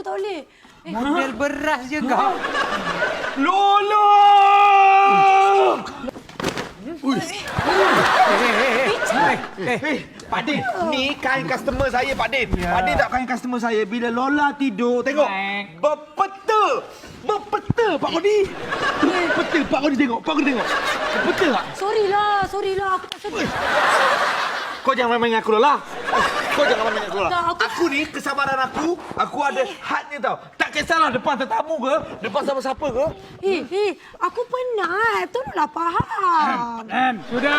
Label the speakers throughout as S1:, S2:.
S1: tak boleh.
S2: Model beras je kau.
S3: Lola! Pak Din, ni kain customer saya, Pak Din. Pak Din tak kain customer saya. Bila Lola tidur, tengok. Berpeta. Berpeta, Pak Kodi. Berpeta, Pak Kodi tengok. Pak Kodi tengok. Berpeta tak?
S1: Sorry lah. Aku tak sedih.
S3: Kau jangan main dengan aku, Lola. Kau jangan main dengan aku, Lola.
S1: Tak,
S3: Aku ni, kesabaran aku ada hadnya tau. Tak kisahlah depan tetamu ke, depan siapa-siapa ke.
S1: Aku penat. Tolonglah faham.
S2: Sudah.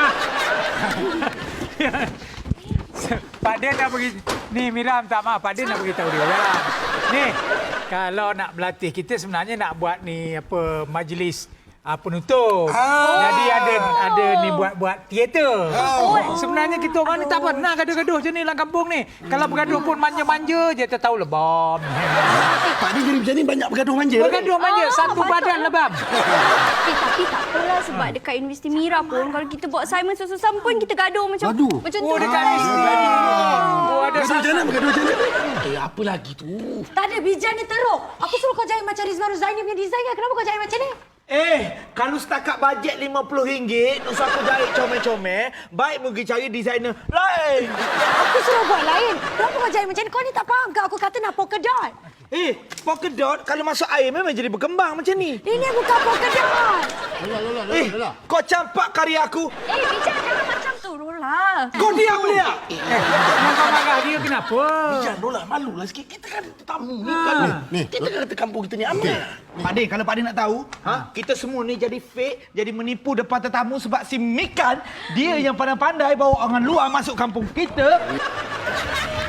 S2: Pak Din nak pergi. Ni Mira minta maaf. Pak Din nak beritahu dia orang. Ni kalau nak berlatih kita sebenarnya nak buat ni apa majlis penutup. Jadi ada ni buat teater. Sebenarnya kita orang ni tak pernah gaduh-gaduh macam ni dalam kampung ni. Kalau bergaduh pun manja-manja je tak tahu lebam.
S3: Pak Din jadi macam ni banyak bergaduh manja.
S2: Bergaduh manja satu badan lebam.
S4: Tapi tak apalah sebab dekat Universiti Mira pun kalau kita buat assignment susah-susah pun kita gaduh macam tu.
S2: Oh dekat universiti. Oh ada
S3: Bergaduh macam mana? Apa lagi tu?
S1: Tak ada bijan ni teruk. Aku suruh kau jahit macam Rizwan Ruzaini punya design kan. Kenapa kau jahit macam ni?
S3: Kalau setakat bajet RM50, nak aku jahit comel-comel, baik pergi cari designer lain.
S1: Aku suruh buat lain. Kenapa kau jahit macam ni? Kau ni tak faham ke? Aku kata nak polka dot.
S3: Polka dot kalau masuk air memang jadi berkembang macam ni.
S1: Ini bukan polka dot.
S3: Lola. Kau campak karya aku.
S4: Bijan jangan macam tu, Lola.
S3: Kau diam dia.
S2: Kau marah dia kenapa?
S3: Jangan Lola, malulah sikit. Kita kan tamu ni kan. Kita kata kampung kita ni aman. Pak Din, kalau Pak Din nak tahu, kita semua ni jadi fake, jadi menipu depan tetamu sebab si Mikan, dia yang pandai-pandai bawa orang luar masuk kampung kita.